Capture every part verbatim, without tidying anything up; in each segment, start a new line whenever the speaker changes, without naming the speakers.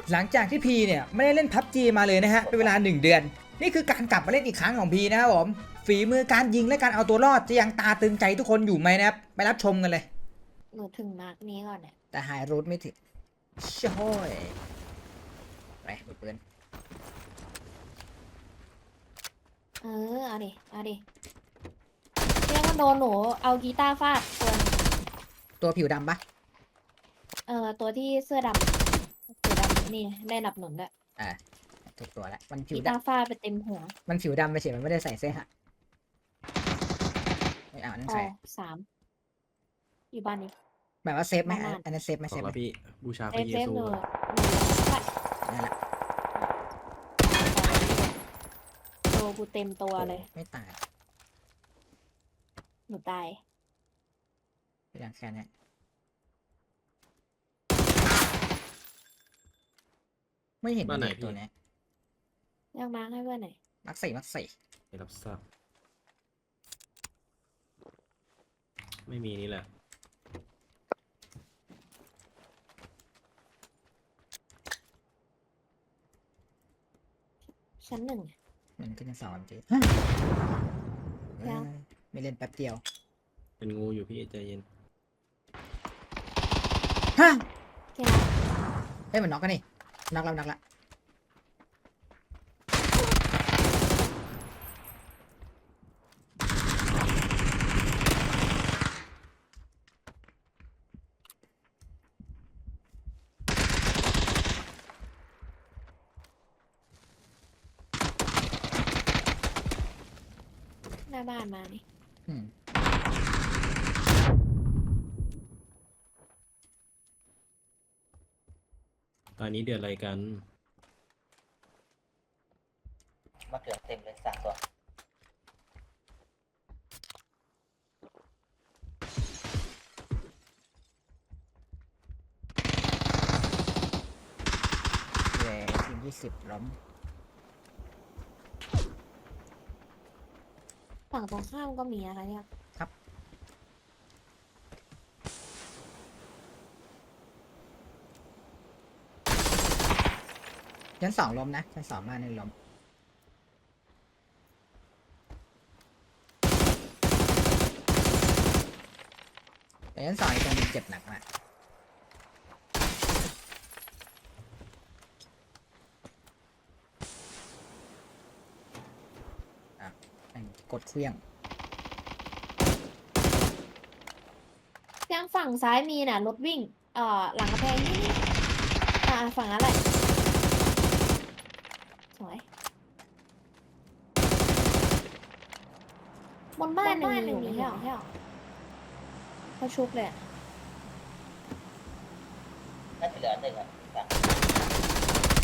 หลังจากที่พีเนี่ยไม่ได้เล่นพับจีมาเลยนะฮะเป็นเวลาหนึ่งเดือนนี่คือการกลับมาเล่นอีกครั้งของพีนะครับผมฝีมือการยิงและการเอาตัวรอดจะยังตาตึงใจทุกคนอยู่ไหมนะครับไปรับชมกันเลย
หนูถึงมาร์กนี้ก่อนเนี่ย
แต่หายรูทไม่ถึงช่วยไปมือปืน
เออเอาดิเอาดิเรียกว่าโดนหนูเอากีตาร์ฟาดตัวหนึ่ง
ตัวผิวดำปะ
เออตัวที่เสื้อดำเสื้อดำนี่ได้หนับหนุนด้วย
อ่าถูกตัวแล้วมันผิ
กี
ว
ตา
ดำ
ร์ฟาดไปเต็มหัว
มันผิวดำไปเฉยมันไม่ได้ใส่เสื้อฮะไม่เอานั่น
อ๋อ
ใส่
สามอยู่บ้านนี้
แบบว่าเซฟไหม
ประมาณ
อันนั้นเซฟไหม
บ
เซ
อก
ฟไหม
แล้วพี่บูชาพ
เซ
ระ
ฟ
เย
เซฟ
ซู
หนู
อะ
หนู
นั่นแหละ
โตกูเต็มตัวเลย
ไม่ตาย
หนูตาย
เป็นอย่างแค่นี้ไม่เห็นมีตัวเนี้ย
เรียกมาร์กให้เพื่อนหน่อย
มักสี่มักสี่
ไม่รับทราบไม่มีนี่แหละ
ชั้นหนึ่ง
มันขึ้นสองจริง
ยัง
ไม่เล่นแป๊บเดียว
เป็นงูอยู่พี่ใจเย็น
ฮะ
เที่ยว
เฮ้ยมันน็อกกันนี่น็อกแล้วน็อกละ
หน้าบ้านมานี่
อืม
ตอนนี้เดือดอะไรกัน
มะเขือเต็มเลยสามตัวเย้ทีมยี่สิบล้ม
ฝั่งตรงข้ามก็มีอะไรเนี่ย
ชั้นสองล้มนะชั้นสองบ้านนี่ล้มแต่ชั้นสองอีกตรงนึงเจ็บหนักมากอ่ะแม่งกดเครื่อง
ยังฝั่งซ้ายมีน่ะรถวิ่ง เอ่อหลังกระแพงนี่นี่อ่าฝั่งนั้นแหละสวยบนบ้านหนึ่งอยู่ไม่ใช่หรอเขาชุบเลยอะ
น่าจะเหลือหนึ่งอ่ะฝั่ง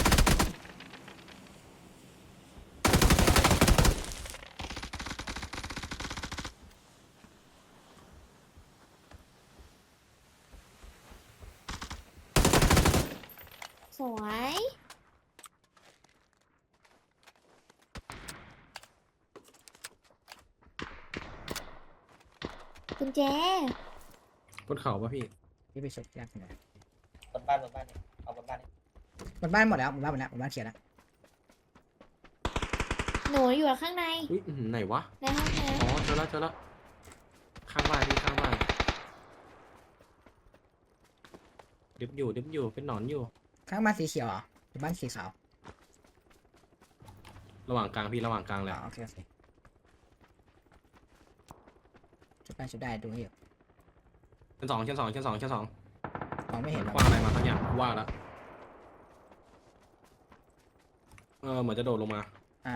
สวยกุญแจ
บนเขาปะพี่
ที่ไปชกยากหน่อย
บนบ้านบนบ้านนี่เอาบนบ้านนี่
บนบ้านหมดแล้วบนบ้านหมดแล้วบนบ้านเคลียร์แล้ว
หนูอยู่ข้างใน
อุ้ยอื้อหือไหนวะ
ในห้องน้
อ๋อเจอแล้วเจอแล้วข้างบ้านพี่ข้างบ้านดึบอยู่ดึบอยู่เป็นหนอนอยู่
ข้างบ้านสีเขียวเหรอหรือบ้านสีขาว
ระหว่างกลางพี่ระหว่างกลางแห
อ๋
ละ
อโอเคโอเคชุดได้ชุดได้ดูให้อยู่
ชั้นสองชั้นสองชั้นสองชั้นสอง
มองไม่
เห
เห็
มื
น
อน
หรอก
คว้างอะไรมาสักอย่างว่าแล้วเออเหมือนจะโดดลงมา
อ่า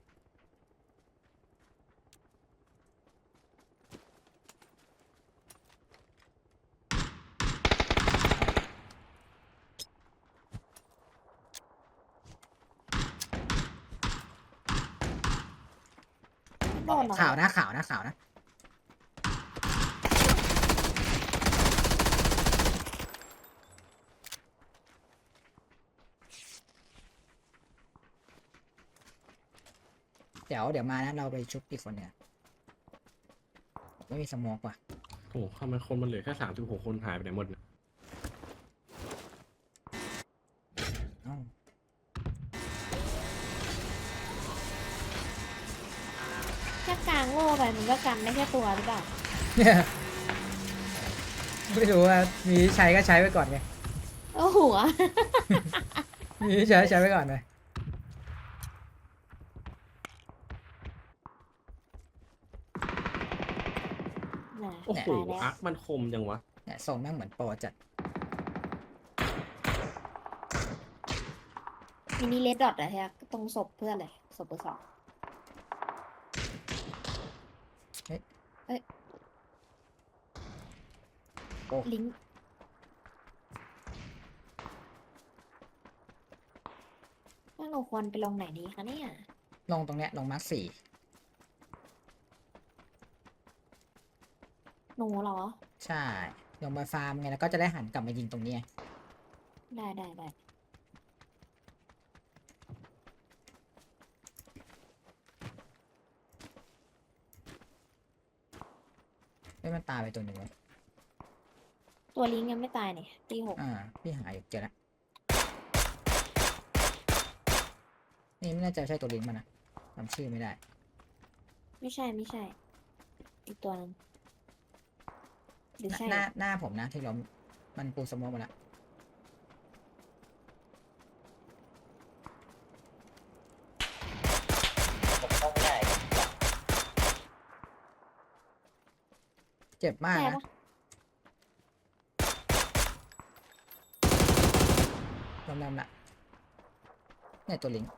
ำโดนเหรอ
ข่าวนะข่าวนะข่าวนะเดี๋ยวเดี๋ยวมานะเราไปชุบอีกคนเนี่ยไม่มีสโมอกว่ะ
โอ้โหทำไมคนมันเหลือแค่สามสิบหกคนหายไปไหนหมดเนี่ย
เอ้า
โง่ไปมันก็กันได้แค่ตัวหรือเปล่า
ไม่รู้ว่ามีใช้ก็ใช้ไปก่อนไง
โอ้หัว
มีใช้ใช้ไปก่อนเลย
น่ะ
โอ้โห
ตายแล้ว
อาร์คมันคมจังวะ
เนี่ยทรงแม่งเหมือนโปรจัด
มินิเลดดอทอะฮะตรงศพเพื่อนเลยศพเบอร์สองเอ้ย
โอ้
ลิงก์ว่าเราควรไปลงไหนดีคะเนี่ย
ลงตรงเนี้ยลงมาร์คสี่
หนูเหรอ
ใช่ลงมาฟาร์มไงแล้วก็จะได้หันกลับมายิงตรงนี้ไง
ได้ได้ได้
ไม่มันตายไปตัวหนึ่งเลย
ตัวลิงก์ยังไม่ตายเนี่ยตีหก
อ่าพี่หาอยู่เจอแล้วนี่ไม่แน่ใจใช่ตัวลิงก์มันนะจำชื่อไม่ได้
ไม่ใช่ไม่ใช่ อีกตัวนึงหรือใช่
หน้าหน้าผมนะที่ล้มมันปูสโมองมาแล้ว
ผมเข้าไม่ได้
เจ็บมาก
ใช่
นะ
ปะ
ล้มแล้วนะเนี่ยตัวลิงก์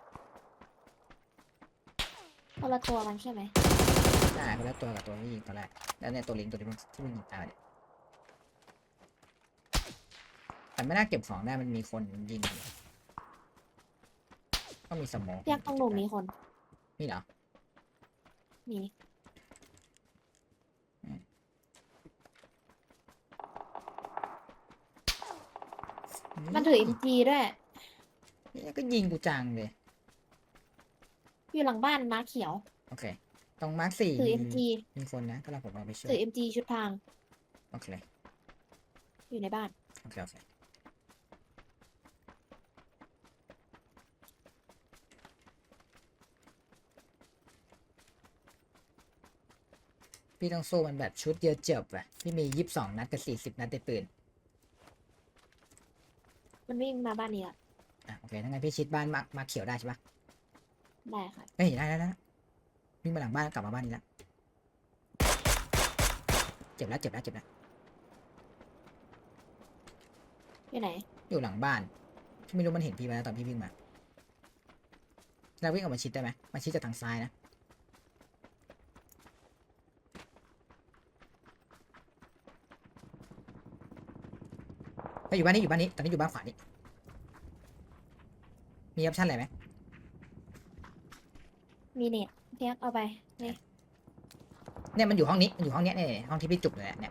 คนละตัวกันใช่ไหม
ใช่คนละตัวกับตัวที่ยิงตอนแรกแล้วเนี่ยตัวลิงก์ตัวที่มันที่มันยิงตายเนี่ยแต่ไม่น่าเก็บของได้มันมีคนยิงอยู่ก็มีสโมอง
เรียกตรงหนูมีคน
มีเหรอ
มี มันถือ เอ็ม จี ด้วย
นี่ก็ยิงกูจังเลย
อยู่หลังบ้านม้าเขียว
โอเค ตรงมาร์คสี่
ถือ
มี
เอ็ม จี
มีคนนะก็เราผมเอาไปช่วย
ถือ เอ็ม จี ชุดพราง
โอเค
อยู่ในบ้าน
โอเค โอเค พี่ต้องสู้มันแบบชุดเดียวจบอ่ะพี่มียี่สิบสองนัดกับสี่สิบนัดในปืน
มันวิ่งมาบ้านนี้ละ
อ่ะโอเคถ้างั้นพี่ชิดบ้านมามาเขียวได้ใช่ปะ
ได้ค่ะ
เฮ้ยได้ได้ได้วิ่งมาหลังบ้านกลับมาบ้านนี้แล้วเจ็บแล้วเจ็บแล้วเจ็บแล้ว
อยู่ไหน
อยู่หลังบ้านพี่ไม่รู้มันเห็นพี่ไหมนะตอนพี่วิ่งมาแล้ววิ่งออกมาชิดได้ไหมมาชิดจากทางซ้ายนะไปอยู่บ้านนี้อยู่บ้านนี้ตอนนี้อยู่บ้านขวานี้มีออปชั่นอะไรไหม
มีเน็ตเพียกเอาไปนี่
เนี่ยมันอยู่ห้องนี้มันอยู่ห้องเนี้ยเนี่ยห้องที่พี่จุกเลยเนี่ย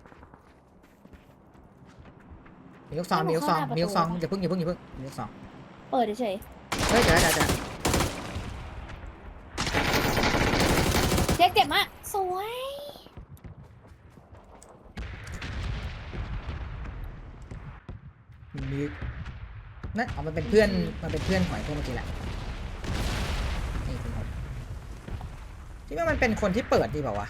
มีลูกซองมีลูกซองมีลูกซองอย่าเพิ่งอย่าเพิ่งอย่าเพิ่งมีลูกซอง
เปิดเฉย
เฮ้ยเดี๋ยวเดี๋ยวเดี๋ยว
ๆเจ๊เจ็บมากสวย
มีนั่นเอามันเป็นเพื่อนมันเป็นเพื่อนหอยพวกเมื่อกี้แหละนี่คุณผมคิดว่ามันเป็นคนที่เปิดดีเปล่าวะ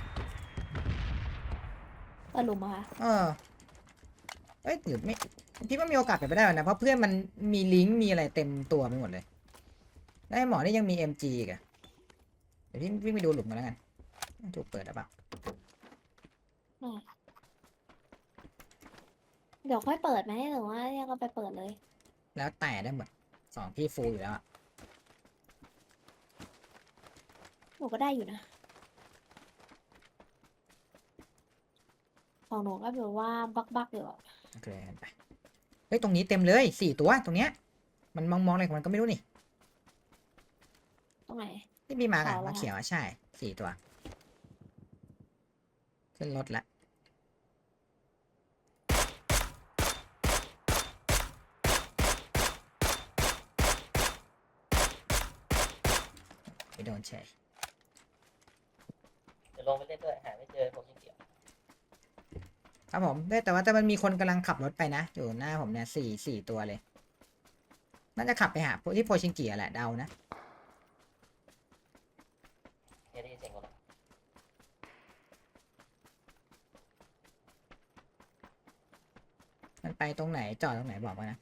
เปิดหลุมเหรอคะ
เออเอ้ยหรือไม่พี่ว่ามีโอกาสเป็นไปได้นะเพราะเพื่อนมันมีลิงก์มีอะไรเต็มตัวไปหมดเลยแล้วไอ้หมอนี่ยังมี เอ็ม จี อีกอะเดี๋ยวพี่วิ่งไปดูหลุมกันแล้วกันถูกเปิดหรือเปล่า
ได้เดี๋ยวค่อยเปิดไหมหรือว่ายังก็ไปเปิดเลย
แล้วแต่ได้หมดสองพี่ฟูลอยู่แล้วอะ
หนูก็ได้อยู่นะ ของหนูก็แบบว่าบักบักๆอยู่อะ
โอเคไปเฮ้ยตรงนี้เต็มเลยสี่ตัวตรงเนี้ยมันมองมองอะไรของมันก็ไม่รู้นี่
ตรงไหน
ที่มีมากัน
ขาวเหรอ
มาเขียวอะใช่สี่ตัวขึ้นรถละไปโดนเฉย
เดี๋ยวลงไปเล่นด้วยหาไม่เจอผมยังเกี่ยว
ครับผมได้แต่ว่าแต่มันมีคนกำลังขับรถไปนะ อยู่หน้าผมเนี่ยสี่สี่ตัวเลย น่าจะขับไปหาพวกที่โพชิงกิแหละเดานะ
เดี๋ยวได้ยินเสียงรถ
ไปตรงไหนจอดตรงไหนบอกมานะ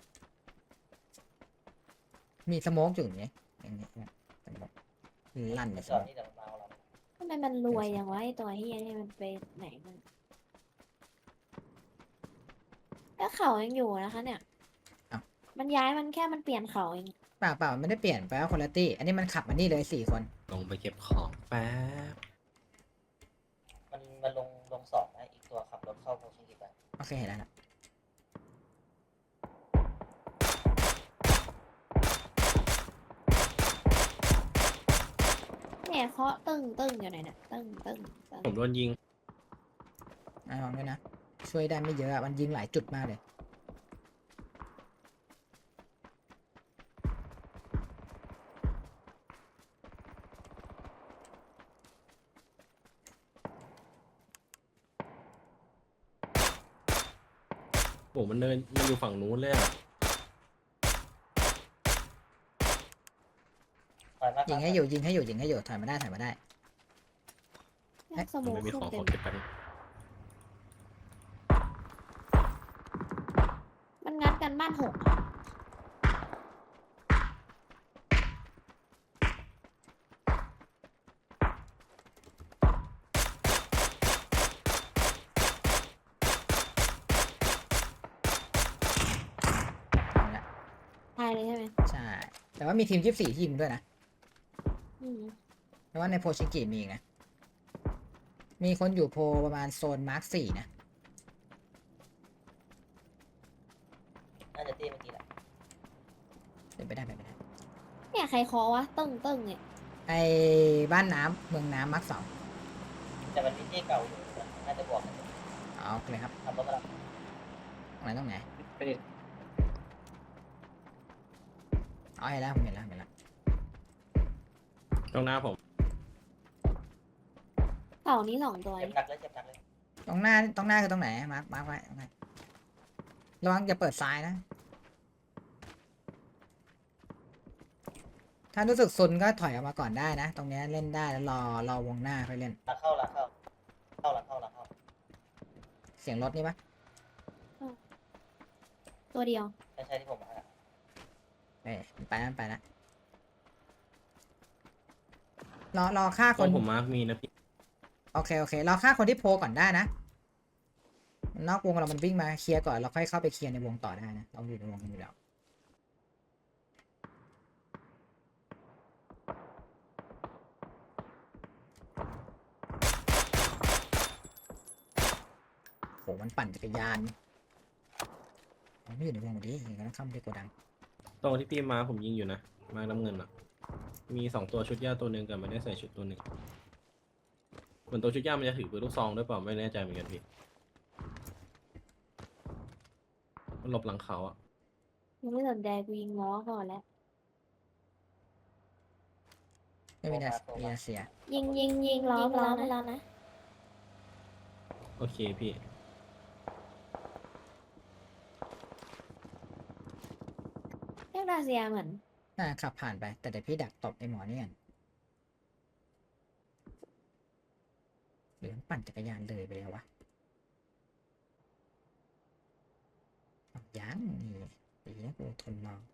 มีสโมกอยู่อย่างนี้อย่างนี้นะสโมกลั่นเลยส
จอ
โม
ด
ก
นี่เดี๋ยวมันมาเอาเรา
ทำไมมันรวยอย่างวะไอตัวเฮียนี่มันไปไหนมันก็เขายังอยู่นะคะเนี่ยมันย้ายมันแค่มันเปลี่ยนเขาเอง
เปล่าเปล่าไม่ได้เปลี่ยนไปว่าคนละตี้อันนี้มันขับมานี่เลยสี่คน
ลงไปเก็บของแป๊บ
มันมันลงลงสองนะอีกตัวขับรถเข้าโพชิงกิไป
โอเคเห็นแล้วนะ
เนี่ยเคาะตึ้งตึ้งอยู่ไหนเนี่ยตึ้งตึ้งตึ้ง
ผมโดนยิง
อ่ะลองด้วยนะ ช่วยได้ไม่เยอะอะมันยิงหลายจุดมากเลย
โอ้มันเดินมันอยู่ฝั่งนู้นเลยอะ
ถอยมา
ยิงให้อยู่ยิงให้อยู่ยิงให้อยู่ถอยมาได้ถอยมาได้
เนี่ยส
มัน
โมู
ไม่มี
ขึ้น
ของ
เต็
ขอ
ม
เก็บไปบนึง
มันงัดกันบ้านหกอะ
เอาละ
ตายเลยใช่ไหม
ใช่ แต่ว่ามีทีมยี่สิบสี่ทีมด้วยนะ
อืม
เพราะว่าในโพชิงกิมีอีกนะ มีคนอยู่โพประมาณโซนมาร์คสี่นะ
น่าจะตีเมื่อกี้แหละ
เป็นไปได้เป็นไปได้
เนี่ยใครเคาะวะตึ้งตึ้งเนี่ย
ไอ้บ้านน้ำเมืองน้ำมาร์คสอง
แต่มันมีที่เก่าอยู่นะน่าจะบวกกัน
เอาโอเคครับ
ทำรถมาแล้ว
ตรงไหนตรงไหน
ไปดิ
เอาเห็นแล้วผมเห็นแล้วเห็นแล้ว
ตรงหน้าผม
เต่านี้สองตัว
เจ็บหนักเลยเจ็บหนักเลย
ตรงหน้าตรงหน้าคือตรงไหนมาร์คมาร์คไว้ตรงไหนระวังอย่าเปิดซ้ายนะ ถ้ารู้สึกซุนก็ถอยออกมาก่อนได้นะ ตรงเนี้ยเล่นได้แล้วรอรอวงหน้าค่อยเล่น
หลังเข้าหลังเข้าเข้าหลังเข้าหลังเข้า
เสียงรถนี่ปะ
ตัวเดียว
ใช่ใช่ที่ผมมาแล้ว
เอ้ยมันไปแล้วมันไปแล้วรอรอฆ่า
ต
ค
ร
น
งผมมาร์กมีนะพี่
โอเค โอเค เราฆ่าคนที่โพลก่อนได้นะ นอกวงเรามันวิ่งมาเคลียร์ก่อนเราค่อยเข้าไปเคลียร์ในวงต่อได้นะ เราอยู่ในวงกันอยู่แล้ว โห มันปั่นจักรยานมันไม่อยู่ในวงดิอย่างนั้นเข้าไปโกดัง
ตรงที่พี่มาผมยิงอยู่นะ มาน้ำเงินอะมีสองตัวชุดย่าตัวหนึ่งกับไม่ได้ใส่ชุดตัวหนึ่งเหมือนตัวชุดย่ามันจะถือปืนลูกซองด้วยเปล่าไม่แน่ใจเหมือนกันพี่ มันหลบหลังเขาอะ
ยังไม่สนใจกูยิงล้อก่อนแล้ว
ไม่มีนามีนาเซีย
ยิงยิงยิงล้อไปแล้วนะแล้วนะ
โอเคพี่
เรียกดาเซียเหมือน
น่าขับผ่านไป แต่เดี๋ยวพี่ดักตบไอ้หมอนี่กันหรือมันปั่นจักรยานเลยไปแล้ววะอ้าวยังนี่ดีนะกูทนมอง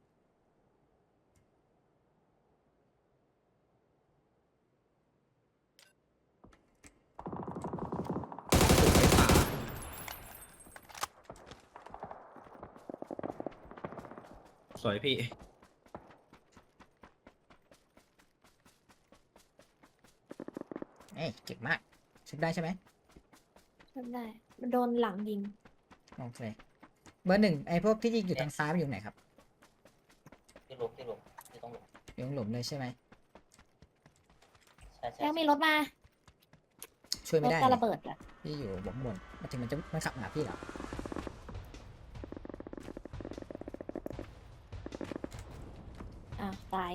สวยพี่
เอ้ยเก่งมากชุบได้ใช่ไหม
จำได้ มันโดนหลังยิง
โอเคเบอร์หนึ่งไอ้พวกที่ยิงอยู่ทางซ้ายมันอยู่ไหนครับ
ที่หลุมที่หลุมที่ตรงหลุม
อยู่ตรงหลุมเลยใช่ไหม
ใช่ใช่
ยังมีรถมา
ช่วย
ร
ไม่
ถ
ได้
จะ
เลย
ระเบิดอ่ะ
พี่อยู่บนบนมาถึงมันจะมันขับมาหาพี่เหรอ
อ่ะตาย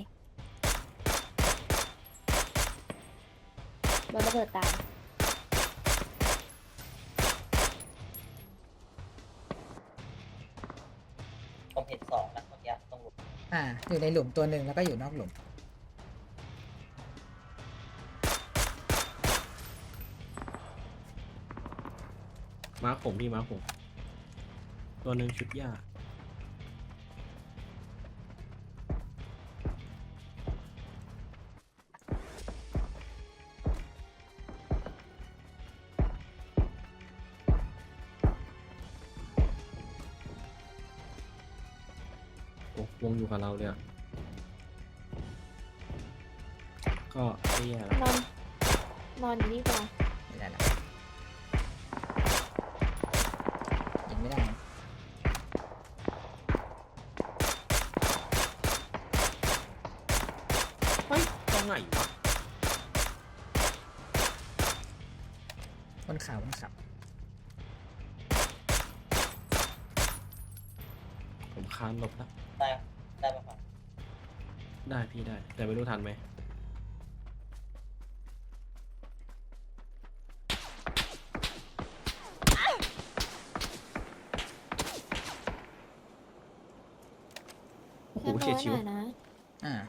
โดนระเบิดตาย
ผมเห็นสองนะเมื่อกี้ตรงหลุม
อ่า อยู่ในหลุมตัวหนึ่งแล้วก็อยู่นอกหลุม
มาร์กผมพี่มาร์กผมตัวหนึ่งชุดหญ้าโอ้วงอยู่กับเราเลยอะก็ไม่แย่แล้ว
นอน นอนอยู่นี่ก่อน
ไม่ได้ละยิงไม่ได้นะ
เฮ้ยตรงไหนวะ
บนเขาบนเขา
ผมคานหลบแล้ว
ได้ได้ปะครับ
ได้พี่ได้ แต่ไม่รู้ทันไหมโอ้โห
เพื่อน
เฉียด
โด
ชิว
นหน่อยนะ
อ่า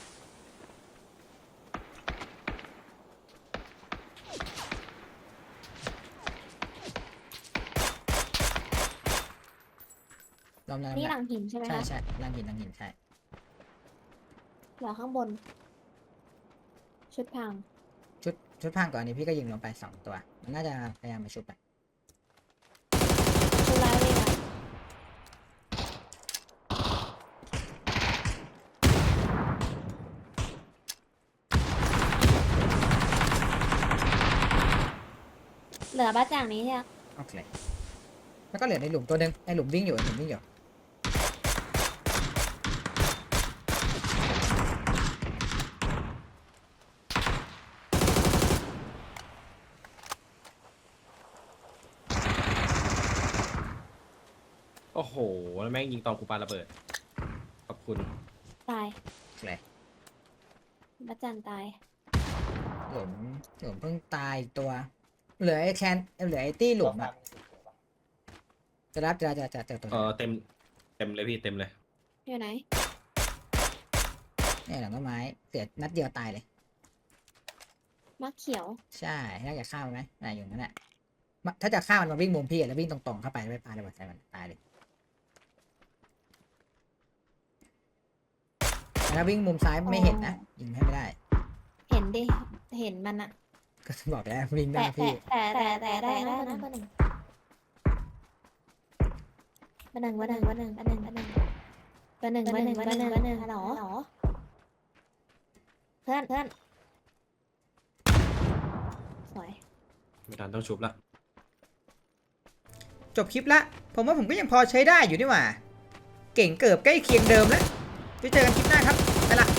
ลองน้ำ
นี่ห
ละ
ลังหินใช่ไหม
ใช่
คะ
ใช่ลังหินลังหินใช่
เหลือข้างบน ชุดพัง
ชุดชุดพังก่อนอันนี้พี่ก็ยิงลงไปสองตัว มันน่าจะพยายามมาชุบไป
ชุดร้ายเลยอะเหลือบ้าจ่างนี้ใช่ไหม
โอเค แล้วก็เหลือในหลุมตัวหนึงในหลุมวิ่งอยู่ในหลุมวิ่งอยู่
โอ้โห แล้วแม่งยิงตอนกูปาระเบิด ขอบคุณ
ตาย
โอเค
บ้าจ่างตาย
หลุมหลุมเพิ่งตายอีกตัว เหลือไอ้แคนเหลือไอ้ตี้หลุม
ตัว
อ่ะ
ฟาร์มมีสิบตัวปะ
จะรับจะจะจะเจอตัว
เออเต็ม เต็มเลยพี่ เต็มเลย
อยู่ไหน
เนี่ยหลังต้นไม้เสียนัดเดียวตายเลย
มักเขียว
ใช่น่าจะฆ่ามันไหมน่าอยู่นั่นแหละมาถ้าจะฆ่ามันมาวิ่งมุมพี่อะแล้ววิ่งตรงๆเข้าไปแล้วไปปาระเบิดใส่มันตายเลยแต่ถ้าวิ่งมุมซ้ายไม่เห็นนะยิงให้ไม่ได้
เห็นดิ เห็นมันอะ
ก็บอกแล้ววิ่งห
แต่
น้าพี่
แต่แต่แต่ได้นะเบอร์หนึ่งเบอร์หนึ่งเบอร์หนึ่งเบอร์หนึ่งเบอร์หนึ่งเบอร์หนึ่งเบอร์หนึ่งเบอร์หนึ่งเบอร์หนึ่งเบอร์หนึ่งเบอร์หนึ่งฮัลโหลฮัลโหลเพื่อนเพื่อนสวย
ไม่ทันต้องชุบละ
จบคลิปละผมว่าผมก็ยังพอใช้ได้อยู่นี่หว่า เก่งเกือบใกล้เคียงเดิมแล้วไว้เจอกันคลิปหน้าครับไปละ